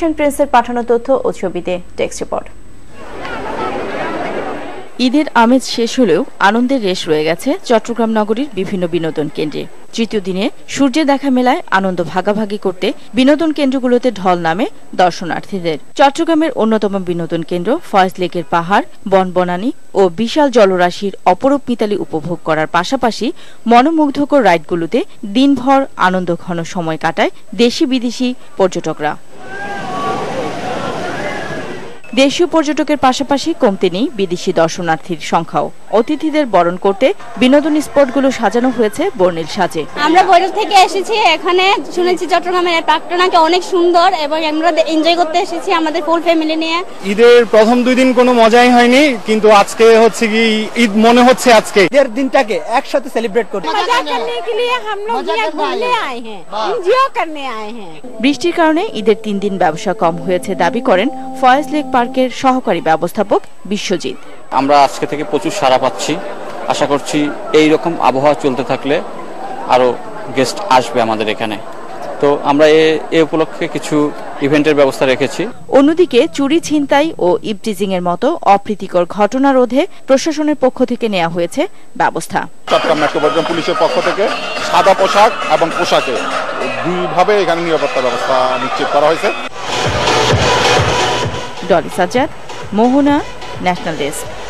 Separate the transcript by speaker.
Speaker 1: প্রিন্সের পাঠানো তথ্য ও ছবিতে টেক্সট রিপোর্ট।
Speaker 2: ঈদের আমেজ শেষ হলেও আনন্দের রেশ রয়ে গেছে চট্টগ্রাম নগরীর বিভিন্ন বিনোদন কেন্দ্রে। তৃতীয় দিনে সূর্যের দেখা মেলায় আনন্দ ভাগাভাগি করতে বিনোদন কেন্দ্রগুলোতে ঢল নামে দর্শনার্থীদের। চট্টগ্রামের অন্যতম বিনোদন কেন্দ্র ফয়েজ লেকের পাহাড়, বনবনানী ও বিশাল জলরাশির অপরূপ মিতালি উপভোগ করার পাশাপাশি মনোমুগ্ধকর রাইডগুলোতে দিনভর আনন্দঘন সময় কাটায় দেশি বিদেশি পর্যটকরা। দেশীয় পর্যটকের পাশাপাশি কমতে নেই বিদেশি দর্শনার্থীর সংখ্যাও। অতিথিদের বরণ করতে বিনোদন স্পটগুলো সাজানো হয়েছে বর্ণিল সাজে।
Speaker 3: আমরা বৈরব থেকে এসেছি, এখানে শুনেছি চট্টগ্রামের পার্কটা নাকি অনেক সুন্দর এবং আমরা এনজয় করতে এসেছি আমাদের ফুল ফ্যামিলি নিয়ে।
Speaker 4: ঈদের প্রথম 2 দিন কোনো মজাই হয়নি, কিন্তু আজকে হচ্ছে কি ঈদ মনে হচ্ছে আজকে
Speaker 5: ঈদের দিনটাকে একসাথে সেলিব্রেট করতে।
Speaker 2: বৃষ্টির কারণে ঈদের 3 দিন ব্যবসা কম হয়েছে দাবি করেন ফয়েজ লেক পার্কের সহকারী ব্যবস্থাপক বিশ্বজিৎ।
Speaker 6: আমরা আজকে থেকে প্রচুর সাড়া পাচ্ছি, আশা করছি এই রকম আবহাওয়া চলতে থাকলে আরো গেস্ট আসবে আমাদের এখানে। তো আমরা এই উপলক্ষে কিছু ইভেন্টের ব্যবস্থা রেখেছি।
Speaker 2: অন্যদিকে চুরি, ছিনতাই ও ইভটিজিং এর মতো অপ্রীতিকর ঘটনা রোধে প্রশাসনের পক্ষ থেকে নেওয়া হয়েছে ব্যবস্থা।
Speaker 7: চট্টগ্রাম মেট্রোপলিটন পুলিশের পক্ষ থেকে সাদা পোশাক এবং পোশাকে 2 ভাবে এখানে নিরাপত্তা ব্যবস্থা নিশ্চিত করা হয়েছে।
Speaker 2: Dolly Sajjad, Mohona, national desk.